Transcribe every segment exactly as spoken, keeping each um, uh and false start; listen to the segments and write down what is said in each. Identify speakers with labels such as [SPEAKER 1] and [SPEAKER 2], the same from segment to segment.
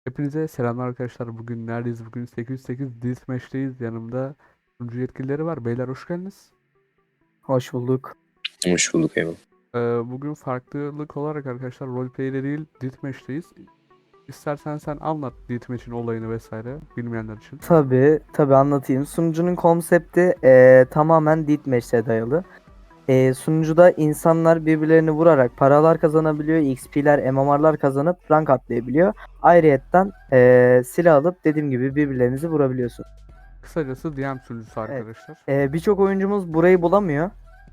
[SPEAKER 1] Hepinize selamlar arkadaşlar. Bugün neredeyiz? Bugün sekiz yüz sekiz Deathmatch'teyiz. Yanımda sunucu yetkilileri var. Beyler hoş geldiniz.
[SPEAKER 2] Hoş bulduk.
[SPEAKER 3] Hoş bulduk Eyvallah.
[SPEAKER 1] Ee, bugün farklılık olarak arkadaşlar roleplay'de değil Deathmatch'teyiz. İstersen sen anlat Deathmatch'in olayını vesaire bilmeyenler için.
[SPEAKER 2] Tabii, tabii anlatayım. Sunucunun konsepti eee, tamamen deathmatch'e dayalı. Eee sunucuda insanlar birbirlerini vurarak paralar kazanabiliyor, X P'ler, M M R'lar kazanıp rank atlayabiliyor. Ayrıyetten eee, silah alıp dediğim gibi birbirlerinizi vurabiliyorsun.
[SPEAKER 1] Kısacası D M sunucusu
[SPEAKER 2] Evet.
[SPEAKER 1] arkadaşlar.
[SPEAKER 2] Eee, birçok oyuncumuz burayı bulamıyor.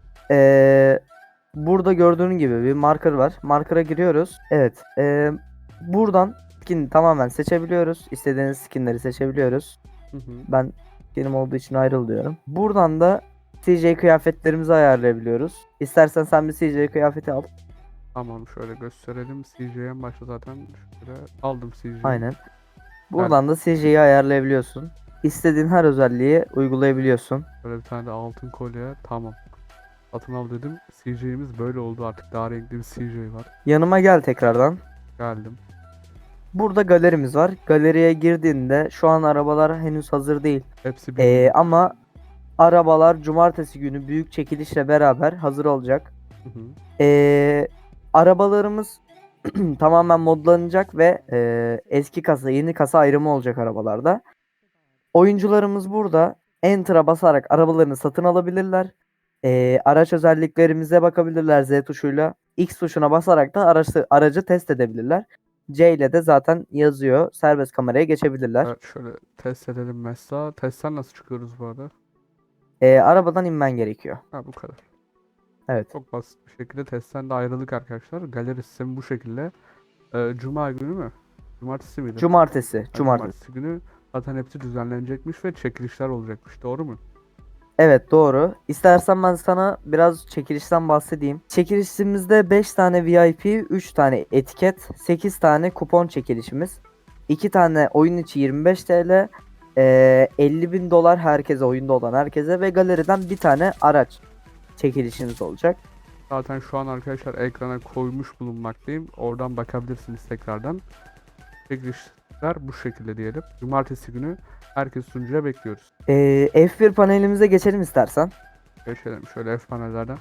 [SPEAKER 2] Eee, burada gördüğün gibi bir marker var. Marker'a giriyoruz. Evet. eee, buradan skin tamamen seçebiliyoruz. İstediğiniz skinleri seçebiliyoruz.
[SPEAKER 1] Hı hı.
[SPEAKER 2] Ben benim olduğu için ayrıl diyorum. Buradan da C J kıyafetlerimizi ayarlayabiliyoruz. İstersen sen bir C J kıyafeti al.
[SPEAKER 1] Tamam şöyle gösterelim. C J'ye en başta zaten şöyle aldım C J'yi.
[SPEAKER 2] Aynen. Buradan da C J'yi ayarlayabiliyorsun. İstediğin her özelliği uygulayabiliyorsun.
[SPEAKER 1] Böyle bir tane de altın kolye. Tamam. Satın al dedim. C J'imiz böyle oldu artık. Daha renkli bir C J var.
[SPEAKER 2] Yanıma gel tekrardan.
[SPEAKER 1] Geldim.
[SPEAKER 2] Burada galerimiz var. Galeriye girdiğinde şu an arabalar henüz hazır değil.
[SPEAKER 1] Hepsi bir
[SPEAKER 2] Ee,
[SPEAKER 1] günlük.
[SPEAKER 2] ama arabalar cumartesi günü büyük çekilişle beraber hazır olacak.
[SPEAKER 1] Hı hı.
[SPEAKER 2] Ee, arabalarımız tamamen modlanacak ve e, eski kasa yeni kasa ayrımı olacak arabalarda. Oyuncularımız burada Enter'a basarak arabalarını satın alabilirler. Ee, araç özelliklerimize bakabilirler Z tuşuyla. X tuşuna basarak da aracı, aracı test edebilirler. C ile de zaten yazıyor. Serbest kameraya geçebilirler.
[SPEAKER 1] Evet şöyle test edelim mesela. Testten nasıl çıkıyoruz bu arada?
[SPEAKER 2] Ee, arabadan inmen gerekiyor.
[SPEAKER 1] Ha bu kadar.
[SPEAKER 2] Evet.
[SPEAKER 1] Çok basit bir şekilde testten de ayrıldık arkadaşlar. Galeri sistemi bu şekilde. Ee, Cuma günü mü? Cumartesi miydi?
[SPEAKER 2] Cumartesi.
[SPEAKER 1] Ha,
[SPEAKER 2] Cumartesi.
[SPEAKER 1] cumartesi günü zaten hepsi düzenlenecekmiş ve çekilişler olacakmış. Doğru mu?
[SPEAKER 2] Evet doğru. İstersen ben sana biraz çekilişten bahsedeyim. Çekilişimizde beş tane V I P, üç tane etiket, sekiz tane kupon çekilişimiz. iki tane oyun içi yirmi beş T L, eee, elli bin dolar herkese, oyunda olan herkese ve galeriden bir tane araç çekilişiniz olacak.
[SPEAKER 1] Zaten şu an arkadaşlar ekrana koymuş bulunmaktayım. Oradan bakabilirsiniz tekrardan. Çekilişler bu şekilde diyelim. Cumartesi günü herkes sunucuya bekliyoruz.
[SPEAKER 2] Eee, F bir panelimize geçelim istersen.
[SPEAKER 1] Geçelim şöyle F panellerden.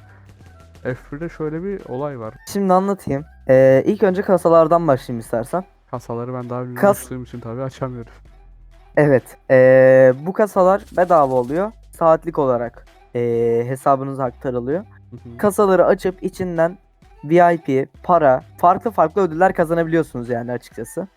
[SPEAKER 1] F birde şöyle bir olay var.
[SPEAKER 2] Şimdi anlatayım. Eee ilk önce kasalardan başlayayım istersen.
[SPEAKER 1] Kasaları ben daha önce
[SPEAKER 2] Kas
[SPEAKER 1] açtığım için tabii açamıyorum.
[SPEAKER 2] Evet. eee, bu kasalar bedava oluyor. Saatlik olarak eee, hesabınıza aktarılıyor.
[SPEAKER 1] Hı hı.
[SPEAKER 2] Kasaları açıp içinden V I P, para, farklı farklı ödüller kazanabiliyorsunuz yani açıkçası.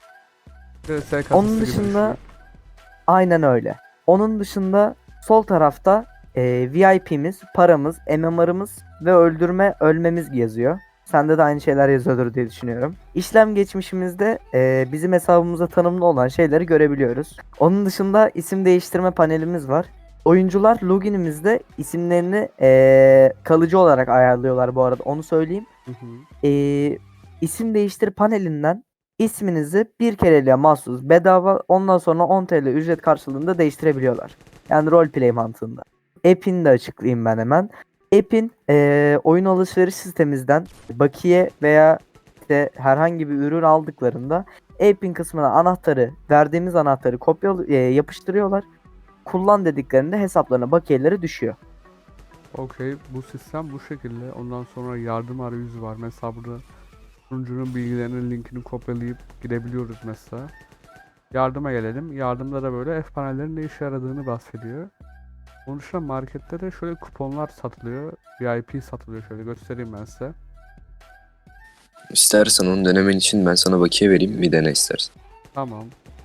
[SPEAKER 1] V S kasası
[SPEAKER 2] Onun
[SPEAKER 1] gibi
[SPEAKER 2] dışında
[SPEAKER 1] düşünün.
[SPEAKER 2] aynen öyle. Onun dışında sol tarafta eee, V I P'miz, paramız, M M R'ımız ve öldürme ölmemiz yazıyor. Sende de aynı şeyler yazıyordur diye düşünüyorum. İşlem geçmişimizde eee, bizim hesabımıza tanımlı olan şeyleri görebiliyoruz. Onun dışında isim değiştirme panelimiz var. Oyuncular loginimizde isimlerini eee, kalıcı olarak ayarlıyorlar bu arada, onu söyleyeyim.
[SPEAKER 1] Hı hı.
[SPEAKER 2] Eee isim değiştir panelinden isminizi bir kereliğe mahsus bedava, ondan sonra on T L ücret karşılığında değiştirebiliyorlar. Yani roleplay mantığında. App'ini de açıklayayım ben hemen. App'in eee, oyun alışveriş sistemimizden bakiye veya işte herhangi bir ürün aldıklarında app'in kısmına anahtarı, verdiğimiz anahtarı kopya yapıştırıyorlar. Kullan dediklerinde hesaplarına bakiyeleri düşüyor.
[SPEAKER 1] Okey, bu sistem bu şekilde. Ondan sonra yardım arayüzü var. Mesela burada sunucunun bilgilerinin linkini kopyalayıp gidebiliyoruz mesela. Yardıma gelelim. Yardımda da böyle F panellerin ne işe yaradığını bahsediyor. Onun dışında markette de şöyle kuponlar satılıyor. V I P satılıyor. Şöyle göstereyim ben size.
[SPEAKER 3] İstersen onu denemen için ben sana bakiye vereyim, bir dene istersen.
[SPEAKER 1] Tamam.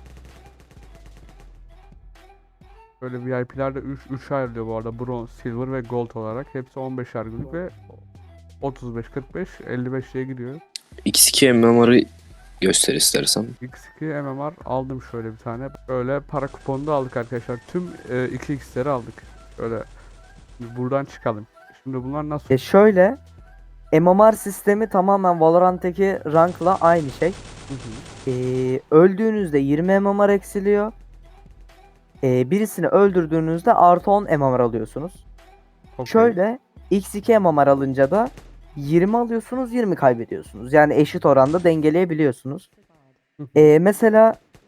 [SPEAKER 1] Böyle V I P'ler de üç üç ayrılıyor bu arada. Bronze, Silver ve Gold olarak. Hepsi on beşer günlük ve otuz beş, kırk beş, elli beş diye gidiyor.
[SPEAKER 3] X iki M M R'ı göster istersen.
[SPEAKER 1] X iki M M R aldım şöyle bir tane. Böyle para kuponu da aldık arkadaşlar. Tüm e, iki X'leri aldık. Böyle şimdi buradan çıkalım. Şimdi bunlar nasıl?
[SPEAKER 2] E şöyle M M R sistemi tamamen Valorant'taki rankla aynı şey.
[SPEAKER 1] Hı hı.
[SPEAKER 2] Ee, öldüğünüzde yirmi M M R eksiliyor. Ee, birisini öldürdüğünüzde artı on M M R alıyorsunuz.
[SPEAKER 1] Okey.
[SPEAKER 2] Şöyle X iki M M R alınca da yirmi alıyorsunuz, yirmi kaybediyorsunuz. Yani eşit oranda dengeleyebiliyorsunuz.
[SPEAKER 1] Hı hı.
[SPEAKER 2] Ee, mesela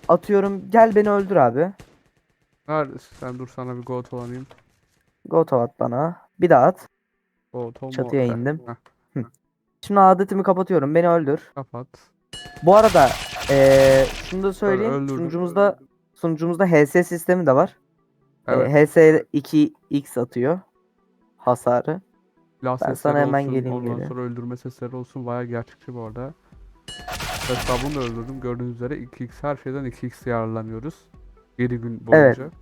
[SPEAKER 2] Atıyorum gel beni öldür abi.
[SPEAKER 1] Neredesin sen? Dur sana bir goat olanayım.
[SPEAKER 2] Goto at bana. Bir daha at.
[SPEAKER 1] Goat olma.
[SPEAKER 2] Çatıya
[SPEAKER 1] Heh,
[SPEAKER 2] indim.
[SPEAKER 1] heh,
[SPEAKER 2] Hı. Şimdi adetimi kapatıyorum. Beni öldür.
[SPEAKER 1] kapat.
[SPEAKER 2] Bu arada eee şunu da
[SPEAKER 1] Böyle
[SPEAKER 2] söyleyeyim.
[SPEAKER 1] öldürdüm.
[SPEAKER 2] Sunucumuzda sunucumuzda H S sistemi de var. Eee,
[SPEAKER 1] Evet.
[SPEAKER 2] H S iki x atıyor hasarı.
[SPEAKER 1] Silah
[SPEAKER 2] Ben
[SPEAKER 1] sesleri
[SPEAKER 2] sana hemen
[SPEAKER 1] olsun,
[SPEAKER 2] geleyim
[SPEAKER 1] ondan
[SPEAKER 2] geri.
[SPEAKER 1] sonra öldürme sesleri olsun, bayağı gerçekçi bu arada. Mesela bunu da öldürdüm. Gördüğünüz üzere iki x her şeyden iki x yararlanıyoruz. yedi gün
[SPEAKER 2] Evet.
[SPEAKER 1] boyunca.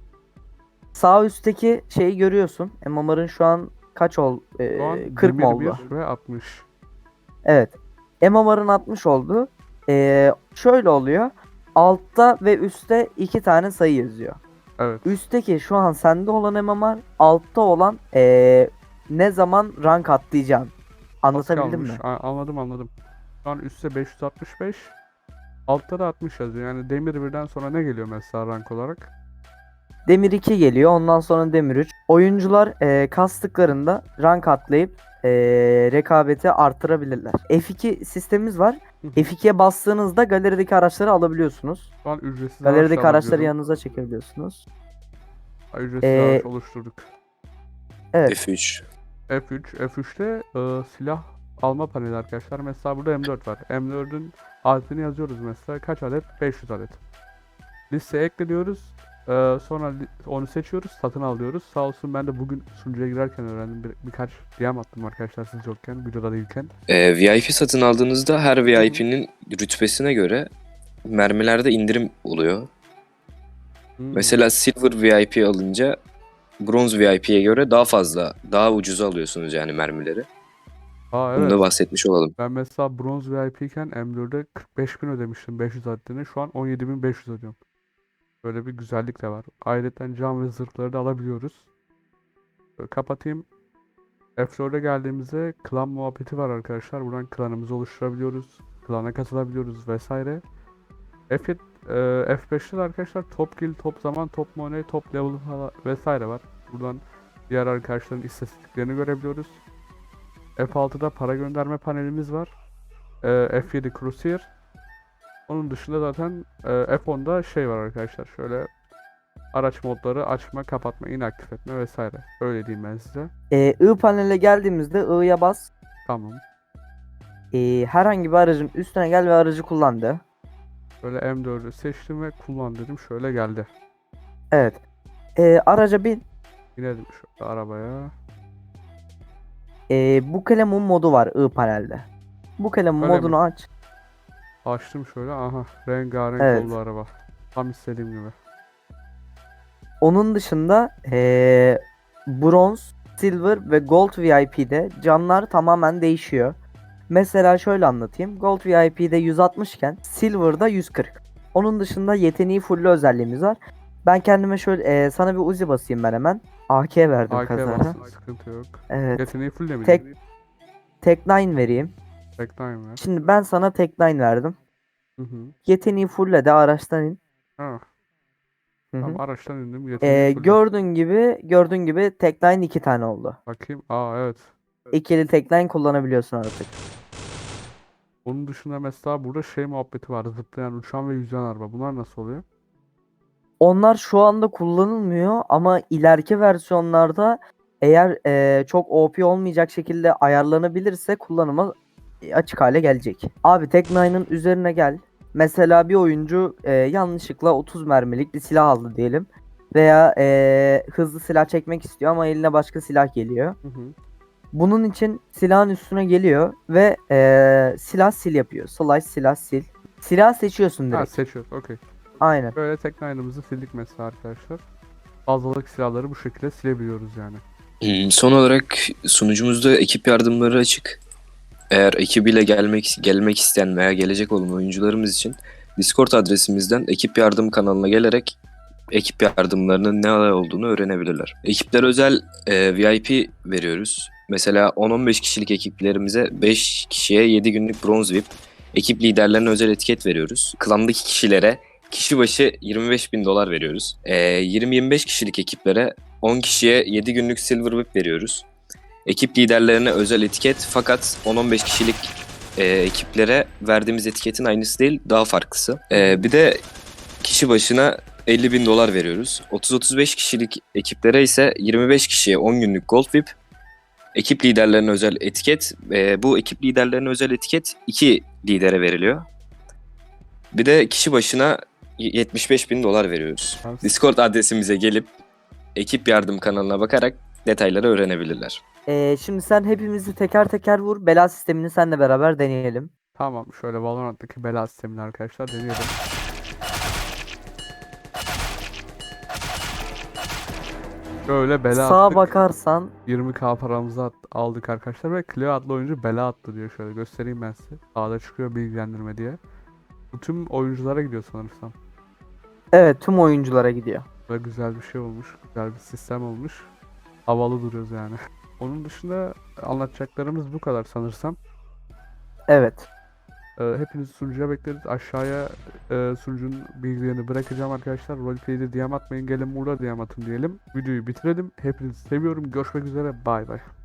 [SPEAKER 2] Sağ üstteki şeyi görüyorsun. M M R'ın şu an kaç ol?
[SPEAKER 1] Şu
[SPEAKER 2] Eee,
[SPEAKER 1] an
[SPEAKER 2] kırk mı
[SPEAKER 1] demir
[SPEAKER 2] oldu?
[SPEAKER 1] bir ve altmış.
[SPEAKER 2] Evet. M M R'ın altmış oldu. Eee, şöyle oluyor. Altta ve üstte iki tane sayı yazıyor.
[SPEAKER 1] Evet.
[SPEAKER 2] Üstteki şu an sende olan M M R, altta olan eee, ne zaman rank atlayacağım.
[SPEAKER 1] Az
[SPEAKER 2] Anlatabildim
[SPEAKER 1] kalmış.
[SPEAKER 2] mi?
[SPEAKER 1] A- anladım anladım. Şu an üstte beş yüz altmış beş. Altta da altmış yazıyor. Yani demir birden sonra ne geliyor mesela rank olarak?
[SPEAKER 2] Demir iki geliyor, ondan sonra Demir üç. Oyuncular eee, kastıklarında rank atlayıp eee, rekabeti artırabilirler. F iki sistemimiz var.
[SPEAKER 1] Hı hı.
[SPEAKER 2] F ikiye bastığınızda galerideki araçları alabiliyorsunuz.
[SPEAKER 1] Şu an ücretsiz
[SPEAKER 2] Galerideki
[SPEAKER 1] araç da
[SPEAKER 2] araçları
[SPEAKER 1] alabiliyorum.
[SPEAKER 2] yanınıza çekebiliyorsunuz.
[SPEAKER 1] Ücretsiz
[SPEAKER 2] Ee,
[SPEAKER 1] araç oluşturduk.
[SPEAKER 2] Evet.
[SPEAKER 3] F üç.
[SPEAKER 1] F üç. F üçte e, silah alma paneli arkadaşlar. Mesela burada M dört var. M dördün adetini yazıyoruz mesela. Kaç adet? beş yüz adet. Listeye ekliyoruz. E, sonra li- onu seçiyoruz. Satın alıyoruz. Sağ olsun ben de bugün sunucuya girerken öğrendim. Bir, birkaç D M attım arkadaşlar siz yokken. Videoda değilken.
[SPEAKER 3] Ee, V I P satın aldığınızda her
[SPEAKER 1] hı.
[SPEAKER 3] V I P'nin rütbesine göre mermilerde indirim oluyor.
[SPEAKER 1] Hmm.
[SPEAKER 3] Mesela Silver V I P alınca Bronze V I P'ye göre daha fazla, daha ucuza alıyorsunuz yani mermileri.
[SPEAKER 1] Aa
[SPEAKER 3] Bunu da
[SPEAKER 1] evet.
[SPEAKER 3] bahsetmiş olalım.
[SPEAKER 1] Ben mesela bronz V I P iken M dörde kırk beş bin ödemiştim beş yüz adetini. Şu an on yedi bin beş yüz ödüyorum. Böyle bir güzellik de var. Ayrıca cam ve zırhları da alabiliyoruz. Böyle kapatayım. F dörde geldiğimizde klan muhabbeti var arkadaşlar. Buradan klanımızı oluşturabiliyoruz. Klana katılabiliyoruz vesaire. F, e, F beşte de arkadaşlar top kill, top zaman, top money, top level falan vesaire var. Buradan diğer arkadaşların istatistiklerini görebiliyoruz. F altıda para gönderme panelimiz var. E, F yedi Crusader. Onun dışında zaten e, F onda şey var arkadaşlar. Şöyle araç modları açma, kapatma, inaktif etme vesaire. Öyle diyeyim ben size.
[SPEAKER 2] Eee I panele geldiğimizde I'ya bas.
[SPEAKER 1] Tamam.
[SPEAKER 2] Eee, herhangi bir aracın üstüne gel ve aracı kullan de.
[SPEAKER 1] Böyle M dördü seçtim ve kullan dedim. Şöyle geldi.
[SPEAKER 2] Evet. Eee, araca bin.
[SPEAKER 1] İnelim şöyle arabaya.
[SPEAKER 2] Eee bu kalemun modu var I panelde. Bu kalemun
[SPEAKER 1] Öyle mi?
[SPEAKER 2] modunu aç.
[SPEAKER 1] Açtım şöyle. Aha. Rengarenk
[SPEAKER 2] Evet.
[SPEAKER 1] oldu araba. Tam istediğim gibi.
[SPEAKER 2] Onun dışında eee bronz, silver ve gold V I P'de canlar tamamen değişiyor. Mesela şöyle anlatayım. Gold V I P'de yüz altmış iken silver'da yüz kırk. Onun dışında yeteneği full özelliğimiz var. Ben kendime şöyle eee, sana bir Uzi basayım ben hemen. A K verdim
[SPEAKER 1] A K
[SPEAKER 2] kazara.
[SPEAKER 1] bastım. Sıkıntı yok.
[SPEAKER 2] Evet.
[SPEAKER 1] Yeteneği full de mi?
[SPEAKER 2] Tek Tek nine vereyim.
[SPEAKER 1] Tek time ver.
[SPEAKER 2] Şimdi ben sana tek nine verdim.
[SPEAKER 1] Hı hı.
[SPEAKER 2] Yeteneği fulle de araçtan in.
[SPEAKER 1] Ha.
[SPEAKER 2] Hı hı.
[SPEAKER 1] Tamam araçtan indim. Yeteneği
[SPEAKER 2] Ee,
[SPEAKER 1] full.
[SPEAKER 2] gördüğün gibi gördüğün gibi tek line iki tane oldu.
[SPEAKER 1] Bakayım. Aa evet.
[SPEAKER 2] İkili tek line kullanabiliyorsun artık.
[SPEAKER 1] Onun dışında mesela burada şey muhabbeti var. Zıplayan, uçan ve yüzen araba. Bunlar nasıl oluyor?
[SPEAKER 2] Onlar şu anda kullanılmıyor ama ileriki versiyonlarda eğer e, çok O P olmayacak şekilde ayarlanabilirse kullanıma e, açık hale gelecek. Abi tek nine'ın üzerine gel. Mesela bir oyuncu e, yanlışlıkla otuz mermilik bir silah aldı diyelim. Veya e, hızlı silah çekmek istiyor ama eline başka silah geliyor.
[SPEAKER 1] Hı hı.
[SPEAKER 2] Bunun için silahın üstüne geliyor ve eee, silah sil yapıyor. Slash silah sil. Silah seçiyorsun
[SPEAKER 1] Ha
[SPEAKER 2] direkt.
[SPEAKER 1] seçiyoruz. Okey.
[SPEAKER 2] Aynen.
[SPEAKER 1] Böyle tek line'ımızı sildik mesela arkadaşlar. Fazlalık silahları bu şekilde silebiliyoruz yani.
[SPEAKER 3] Hmm, Son olarak sunucumuzda ekip yardımları açık. Eğer ekibiyle gelmek gelmek isteyen veya gelecek olan oyuncularımız için Discord adresimizden ekip yardım kanalına gelerek ekip yardımlarının ne olduğunu öğrenebilirler. Ekiplere özel e, V I P veriyoruz. Mesela on on beş kişilik ekiplerimize beş kişiye yedi günlük bronz V I P, ekip liderlerine özel etiket veriyoruz. Klandaki kişilere kişi başı yirmi beş bin dolar veriyoruz. E, yirmi yirmi beş kişilik ekiplere on kişiye yedi günlük silver V I P veriyoruz. Ekip liderlerine özel etiket fakat on on beş kişilik e, ekiplere verdiğimiz etiketin aynısı değil, daha farklısı. E, bir de kişi başına elli bin dolar veriyoruz. otuz otuz beş kişilik ekiplere ise yirmi beş kişiye on günlük Gold V I P, ekip liderlerine özel etiket. E, bu ekip liderlerine özel etiket iki lidere veriliyor. Bir de kişi başına yetmiş beş bin dolar veriyoruz.
[SPEAKER 1] Tamam.
[SPEAKER 3] Discord adresimize gelip ekip yardım kanalına bakarak detayları öğrenebilirler.
[SPEAKER 2] Ee, şimdi sen hepimizi teker teker vur. Bela sistemini seninle beraber deneyelim.
[SPEAKER 1] Tamam, şöyle Valorant'taki bela sistemini arkadaşlar deneyelim. Şöyle bela
[SPEAKER 2] Sağa
[SPEAKER 1] attık.
[SPEAKER 2] bakarsan
[SPEAKER 1] yirmi K paramızı at- aldık arkadaşlar ve Cleo adlı oyuncu bela attı diyor, şöyle göstereyim ben size. Sağda çıkıyor bilgilendirme diye. Bu tüm oyunculara gidiyor sanırsam.
[SPEAKER 2] evet tüm oyunculara gidiyor.
[SPEAKER 1] Ve güzel bir şey olmuş. Güzel bir sistem olmuş. Havalı duruyoruz yani. Onun dışında anlatacaklarımız bu kadar sanırsam.
[SPEAKER 2] Evet.
[SPEAKER 1] Ee, hepinizi sunucuya bekleriz. Aşağıya e, sunucunun bilgilerini bırakacağım arkadaşlar. Roleplay'de D M atmayın. Gelin burada D M atın diyelim. Videoyu bitirelim. Hepinizi seviyorum. Görüşmek üzere. Bay bay.